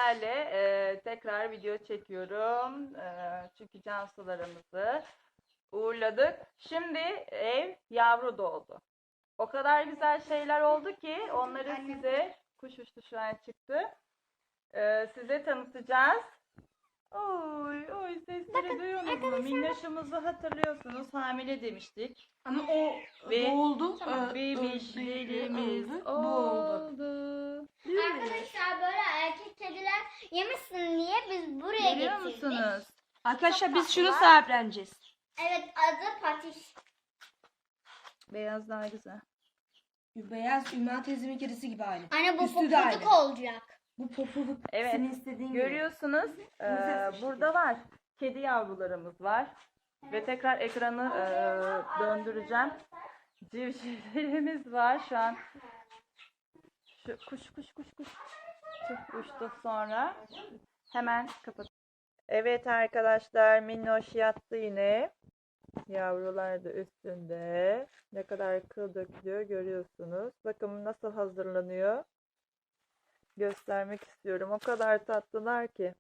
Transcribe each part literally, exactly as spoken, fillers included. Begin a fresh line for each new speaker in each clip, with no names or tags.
sizlerle e, tekrar video çekiyorum. E, çünkü cansularımızı uğurladık. Şimdi ev yavru doğdu. O kadar güzel şeyler oldu ki onları size, kuş uçtu şu an çıktı. E, size tanıtacağız. Oy oy sesleri duyuyorsunuz mu? Minnoşumuzu hatırlıyorsunuz. Hamile demiştik.
Ama o
Ve
doğuldu.
bebişlerimiz
öldü. Bu oldu.
oldu.
Arkadaşlar böyle erkek kediler yemişsin diye biz buraya
Görüyor
getirdik.
musunuz?
Arkadaşlar
Çok
biz şunu
tatlılar.
sahipleneceğiz.
Evet, adı Patiş.
Beyaz daha güzel.
Beyaz Ümmü teyzemin kedisi gibi aynı.
Anne bu
Üstü de aynı.
pofuduk olacak.
Bu pofuduk
Evet.
senin istediğin gibi.
Görüyorsunuz. e, burada var. Kedi yavrularımız var. Ve tekrar ekranı e, döndüreceğim. Civcivlerimiz var şu an. Şu kuş kuş kuş kuş. Çok uçtu sonra. Hemen kapat. Evet arkadaşlar, minnoş yattı yine. Yavrular da üstünde. Ne kadar kıl dökülüyor görüyorsunuz. Bakın nasıl hazırlanıyor. Göstermek istiyorum. O kadar tatlılar ki.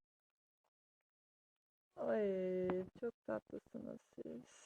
Ay çok tatlısınız siz.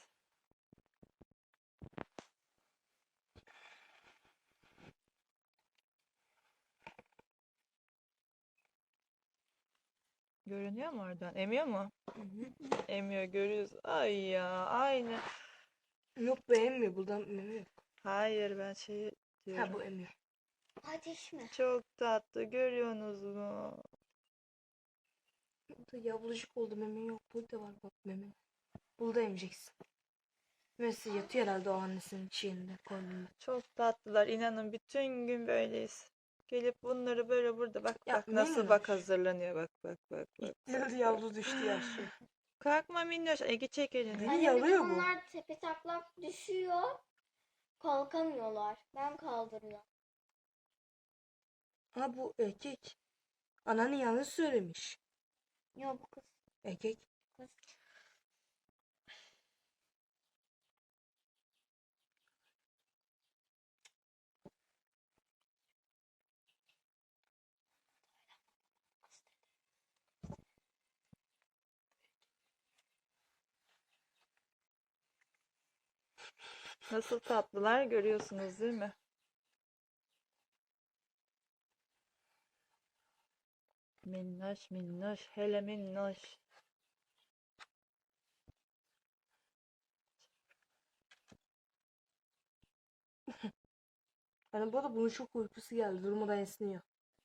Görünüyor mu oradan? Emiyor mu? Emiyor, görüyoruz. Ay ya aynı.
Yok be emmiyor. Buradan emmiyor.
Hayır ben şey diyorum.
Ha bu emmiyor.
Patiş mi?
Çok tatlı, görüyorsunuz mu?
Burada yavrucuk oldu, meme yok. Burada var bak meme. Burada emeceksin. Mesela yatıyor herhalde o annesinin şeyinde, koynunda.
Çok tatlılar. İnanın bütün gün böyleyiz. Gelip bunları böyle burada bak
Ya,
bak nasıl
minnoş.
bak hazırlanıyor bak bak bak bak.
Nerede yavru düştü yaşlı.
Kalkma minnoş. Ege çek elini.
Niye
Anne bir de
yalıyor bu?
bunlar tepe taklak düşüyor. Kalkamıyorlar. Ben kaldırıyorum.
Ha bu erkek. Anneanne yanlış söylemiş.
Yok bu kız.
Erkek.
Kız.
Nasıl tatlılar görüyorsunuz değil mi? Minnoş minnoş. Hele minnoş.
Hani bu arada bunun çok uykusu geldi. Durmadan esniyor.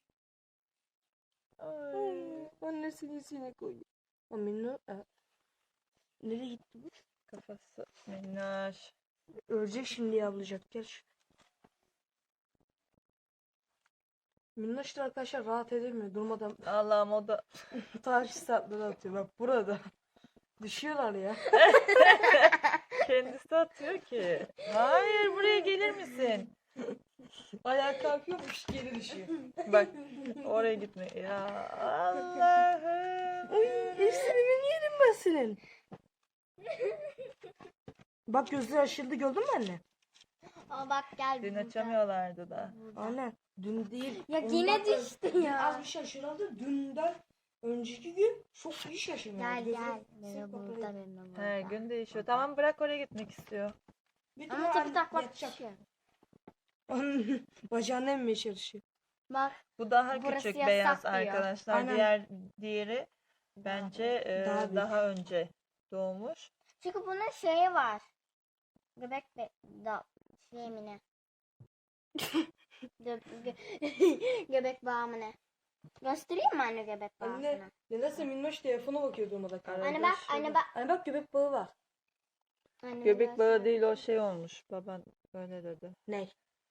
Ay.
Annesini içine koyuyor. O minno... E, nereye gitti bu?
Kafası minnoş.
Ölecek şimdi yavrucak. Gel şu. Minnoş da arkadaşlar rahat edemiyor. Durmadan
Allah'ım o da
tarih saatleri atıyor. Bak burada. Düşüyorlar ya.
kendisi atıyor ki. Hayır buraya gelir misin?
Ayağa kalkıyormuş geri düşüyor.
Bak oraya gitme. Ya Allah'ım.
Uy, hepsini yerim ben senin. Bak gözleri aşıldı, gördün mü anne?
Aa bak gel.
Dün
burada.
açamıyorlardı da.
Anne dün değil.
Ya
ondan
yine
ön-
düştü
dün
ya.
Az bir şey şaşırıldı. Dünden önceki gün çok iyi şaşırıyor.
Gel
Gözleri
gel.
sırf
Beni
bakıyor.
burada beni burada.
Her gün değişiyor. Tamam bırak oraya gitmek istiyor.
Bir de
Ama
o
tepe
an
taklak
yatacak.
düşüyor.
Bacağını emmeye çalışıyor.
Bak.
Bu daha
Burası
küçük
yasak
beyaz
diyor.
arkadaşlar.
Aynen.
Diğer diğeri bence e,
Daha
daha,
büyük.
önce doğmuş.
Çünkü bunun şeyi var. Göbek be da şey mi ne? Gö gö göbek bağı mı ne? Göstereyim mi anne göbek bağını?
Anne nedense Minnoş telefona bakıyor durmadan.
Arada
Anne bak,
şurada-
anne bak.
Anne bak göbek bağı var.
Anne
Göbek bağı
göster.
değil o şey olmuş. Baban öyle dedi.
Ne?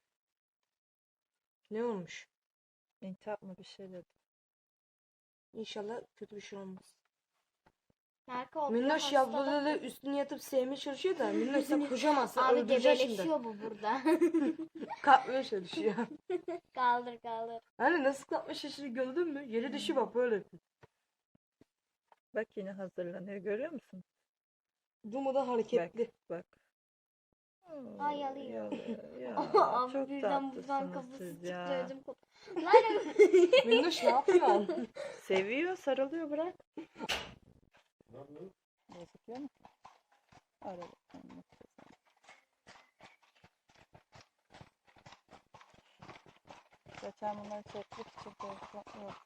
Ne olmuş?
İntihap mı bir şey dedi.
İnşallah kötü bir şey olmaz.
Berke o
Minnoş
hasta
yavruları
bak.
üstüne yatıp sevmeye çalışıyor da Minnoş sen kocamazsın
Abi
öldüreceksin şimdi.
gebeleşiyor bu burada.
Kalkmaya çalışıyor.
kaldır kaldır.
Anne nasıl kalkma şaşırı gördün mü? Yere düşüyor bak böyle.
Bak yine hazırlanıyor görüyor musun?
Durmadan hareketli.
Bak bak.
Ay yalıyor.
Çok
Abi birden buradan
tatlısınız
kafası
siz ya.
çıktı ödüm koptu. Lan
Minnoş ne yapıyorsun?
Seviyor, sarılıyor, bırak. Gözüküyor mu? Ara bakalım. Geçen bunları çektik için böyle yok.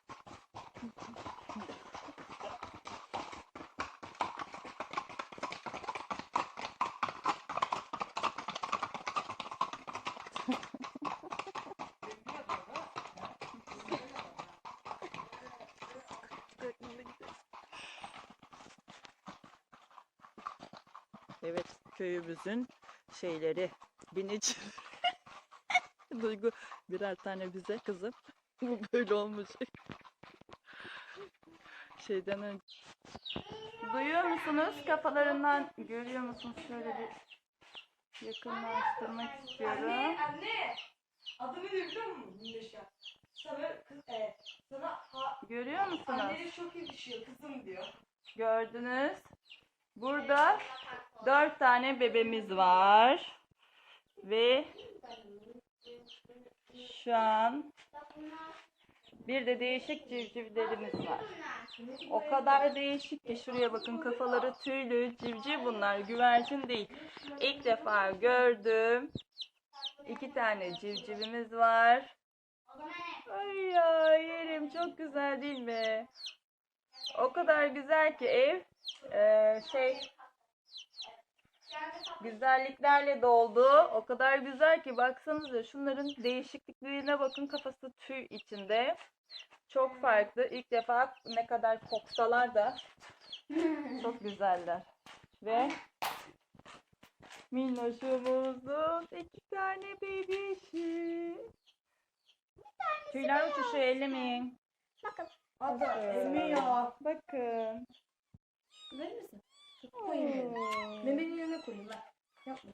Evet, köyümüzün şeyleri, binici. Duygu birer tane bize kızım. Bu böyle olmayacak. Şeyden önce. Duyuyor musunuz? Kafalarından görüyor musunuz? Şöyle bir yakınlaştırmak istiyorum.
Anne. Adını ne biliyor musun Minnoş ya? Sana, kız, e, sana ha,
Görüyor musunuz?
anneleri çok yakışıyor kızım diyor.
Gördünüz. Burada dört tane bebemiz var. Ve şu an bir de değişik civcivlerimiz var. O kadar değişik ki şuraya bakın, kafaları tüylü civciv bunlar, güvercin değil. İlk defa gördüm. İki tane civcivimiz var. Ay ya yerim, çok güzel değil mi? O kadar güzel ki ev e, şey güzelliklerle doldu. O kadar güzel ki baksanıza şunların değişikliklerine bakın, kafası tüy içinde. Çok farklı. İlk defa ne kadar koksalar da çok güzeller. Ve minnoşumuzun iki tane bebişi. Tüyler uçuşuyor, ellemeyin.
bakın.
Ada emiyor.
Bakın.
Verir misin? Koyayım yerine.
Oo.
Memenin yerine koyayım ben. Yapma.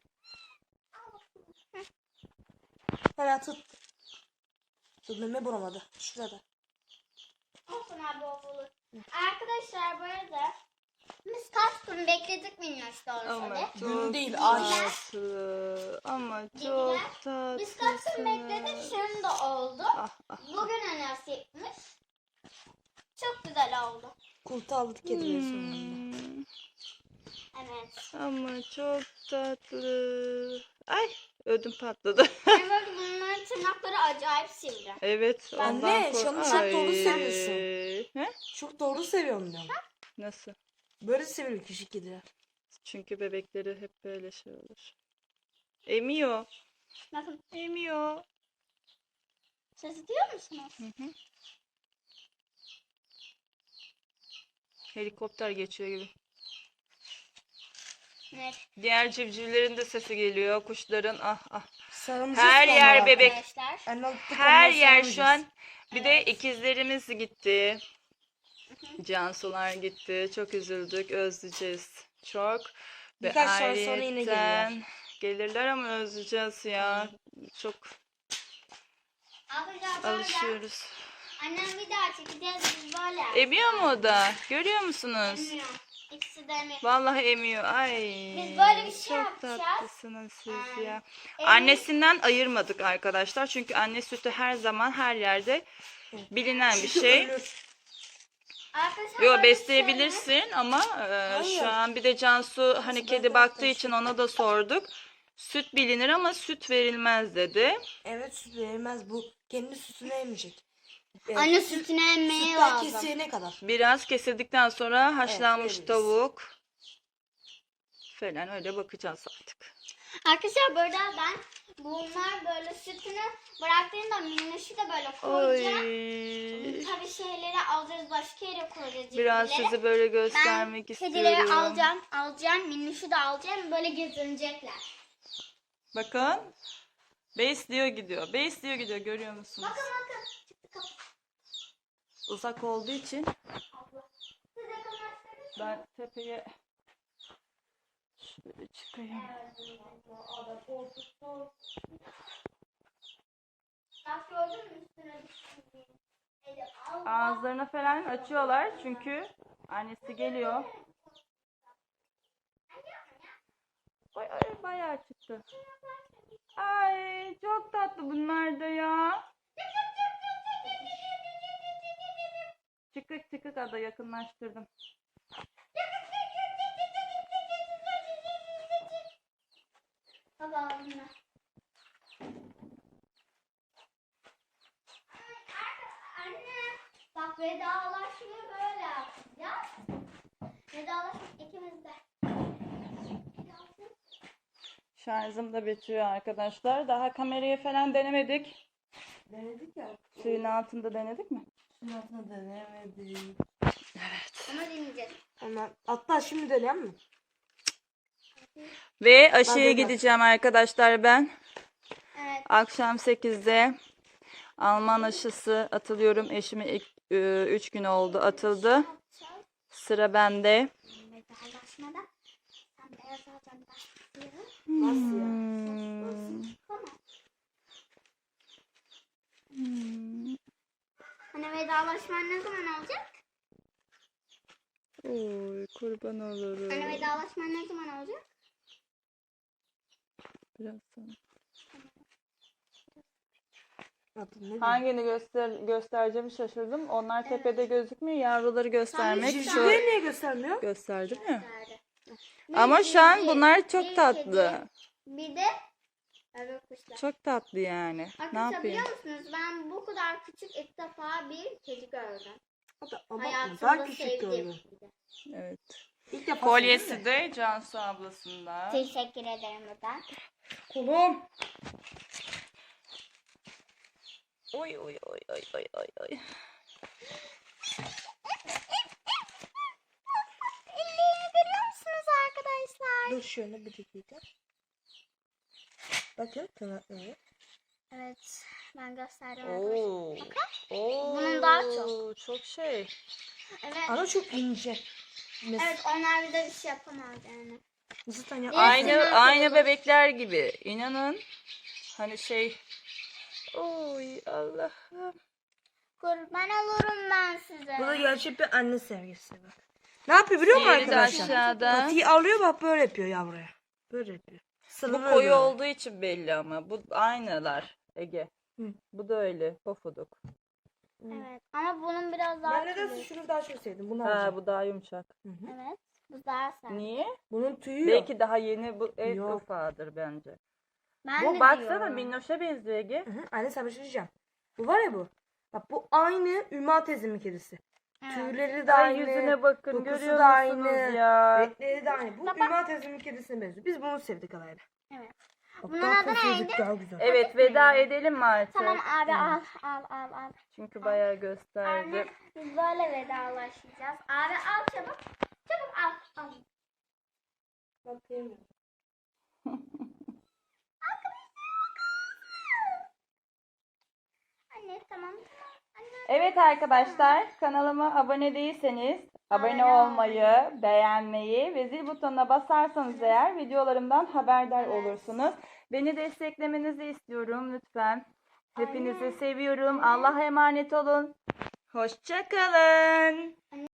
Hemen tut. Dur meme bulamadı. Şurada.
Olsun abi olur. Arkadaşlar bu arada biz kaç gün bekledik minnoş
Ama
doğrusu.
çok
Gün değil, ağaç.
tatlı. Ama çok tatlı.
Biz kaç gün bekledik şimdi oldu.
Ah, ah.
Bugüne nasipmiş. Çok güzel oldu.
Kurtu aldık kedileri sonunda.
Hmm,
Evet.
ama çok tatlı. Ay, ödüm patladı.
Yani böyle bunların tırnakları acayip sivri.
Evet, ondan
Anne,
kork-
şu an çok doğru
Ay.
söylüyorsun.
He?
Çok doğru seviyorum diyorum.
Nasıl?
Böyle seviyorum küçük kediler.
Çünkü bebekleri hep böyle şey olur. Emiyor.
Bakın
Emiyor.
ses duyuyor musunuz?
Hı hı. Helikopter geçiyor gibi.
Evet.
Diğer civcivlerin de sesi geliyor. Kuşların ah ah.
Sarılmışız
Her
sonra
yer
artık.
bebek.
Arkadaşlar.
Anne aldık,
Her
ondan
yer
sarılacağız.
şu an. Bir de ikizlerimiz gitti. Cansular gitti. Çok üzüldük. Özleyeceğiz. Çok. Ve
Birkaç saat sonra yine
ayrıyetten
gelirler.
gelirler ama özleyeceğiz ya. Çok
Arkadaşlar böyle
alışıyoruz.
annem bir daha çekeceğiz biz böyle.
Emiyor mu o da? Görüyor musunuz?
Emiyor. İkisi de emiyor.
Vallahi emiyor. Ay.
Biz böyle bir şey
çok
yapacağız.
tatlısınız siz
Ee,
ya.
Emin-
Annesinden ayırmadık arkadaşlar. Çünkü anne sütü her zaman her yerde bilinen bir
Çünkü
şey.
ölür.
Arkadaşlar
Yo,
böyle
besleyebilirsin ama e,
Hayır.
şu an bir de Cansu hani
ben
kedi
de
baktığı
yaptım
için ona da sorduk. Süt bilinir ama süt verilmez dedi.
Evet, süt verilmez, bu kendi sütünü emecek. Evet,
Anne sütünü emmeye
sütten
lazım.
keseceğine kadar.
Biraz kesildikten sonra haşlanmış
veririz.
tavuk falan öyle bakacağız artık.
Arkadaşlar böyle ben bunlar böyle sütünü bıraktığında minnoşu da böyle koyacağım.
Oy.
Tabii şeyleri alacağız, başka yere koyacağız.
Biraz
civcivleri.
sizi böyle
Ben
göstermek
kedileri
istiyorum.
alacağım, alacağım, minnoşu da alacağım. Böyle gezinecekler.
Bakın. Besliyor gidiyor. Besliyor gidiyor. Görüyor musunuz?
Bakın bakın. Çıktı kapı.
Uzak olduğu için
Abla. Siz yakınlaştınız mı?
ben tepeye şöyle çıkayım.
Bak gördün mü üstüne düştüğünü? Eli al.
Ağızlarını falan açıyorlar çünkü annesi geliyor. Ay, ay, bayağı çıktı. çıktı. Ay çok tatlı bunlar da ya. Çıkık çıkık ada yakınlaştırdım.
Baba bunlar. Anne bak vedalaşmayı böyle yapacağız. Vedalaşmak ikimiz de.
Şarjım da bitiyor arkadaşlar. Daha kamerayı falan denemedik.
Denedik ya.
Suyun altında denedik mi?
Şunun altına denemedik.
Ama deneyeceğiz.
Ama hatta şimdi deneyelim mi?
Ve aşıya
Ben de-
gideceğim arkadaşlar ben.
Evet.
Akşam sekizde Alman aşısı atılıyorum. Eşime üç gün oldu atıldı. Sıra bende.
Vedalaşmada sen beyaz alacaksın başlıyor.
Nasıl ya?
Hmm.
Tamam.
Hmm.
Hani vedalaşman ne zaman olacak?
Oy kurban olurum.
Hani vedalaşman ne zaman olacak?
Biraz sonra.
Adı ne diyor?
Hangini göster göstereceğimi şaşırdım. Onlar tepede gözükmüyor. Yavruları göstermek
Sen
şu
Civcivleri niye göstermiyor?
gösterdim ya.
Nerede?
Ama
Bir
şu an
civciv,
bunlar
bir
çok tatlı.
kedi, Bir de evet kuşlar.
Çok tatlı yani. Ne
Arkadaşlar
yapayım?
biliyor musunuz? Ben bu kadar küçük ilk defa bir kedi gördüm.
O da abartma.
Hayatımda
Daha küçük
sevdim.
gördüm.
Evet.
İlk defa
Kolyesi
sevdim
de Cansu ablasında.
Teşekkür ederim buradan.
Kolum. Oy oy oy oy oy oy oy.
Ellerini görüyor musunuz arkadaşlar?
Dur şöyle bir dakika. Bakın kanatları.
Evet. Ben gösterdim arkadaşlar.
Oo. Oo.
Bunun daha çok.
Çok şey.
Evet.
Ama çok ince. Mesela
Evet onlar bir de bir şey yapamaz yani.
zaten ya.
Aynı
Hepsinden
aynı
kolay.
bebekler gibi. İnanın. Hani şey. Oy Allah'ım.
Kurban olurum ben size.
Bu da gerçek bir anne sevgisi bak. Ne yapıyor biliyor musun
Diğeri de
arkadaşlar?
aşağıda.
Patiyi alıyor bak böyle yapıyor yavruya. Böyle yapıyor.
Bu
Sıralıyor
koyu
böyle.
olduğu için belli ama. Bu aynılar Ege.
Hı.
Bu da öyle. Pofuduk.
Evet. Ama bunun biraz daha
Ben nedense
tüylü.
şunu daha çok sevdim. Bunu
Ha
alacağım.
bu daha yumuşak.
Hı hı.
Evet. Bu daha sert.
Niye?
Bunun tüyü yok.
Belki daha yeni bu en
Yok.
ufağıdır bence.
Ben
Bu
de
baksana
diyorum.
minnoşa benziyor Ege.
Hı hı. Anne sana bir şey diyeceğim. Bu var ya bu. Bak bu aynı Ümmü teyzemin kedisi.
Evet.
Tüyleri de
Ay
aynı.
yüzüne bakın
dokusu
görüyor
da
musunuz
aynı.
ya?
Renkleri de aynı. Bu
Baba.
Ümmü teyzemin kedisine benziyor. Biz bunu sevdik alayla.
Evet.
Bak,
Bunun
daha
adı
pofuduk,
neydi?
daha güzel.
Evet veda edelim mi artık?
Tamam abi al al al al.
Çünkü bayağı gösterdi.
Anne biz böyle vedalaşacağız. Abi al çabuk. Çabuk al. Al.
Bakayım.
Anne tamam. Anne.
Evet arkadaşlar kanalıma abone değilseniz abone
Abone
olmayı, beğenmeyi ve zil butonuna basarsanız eğer videolarımdan haberdar
Evet.
olursunuz. Beni desteklemenizi istiyorum lütfen. Hepinizi
Aynen.
seviyorum. Allah'a emanet olun. Hoşça kalın.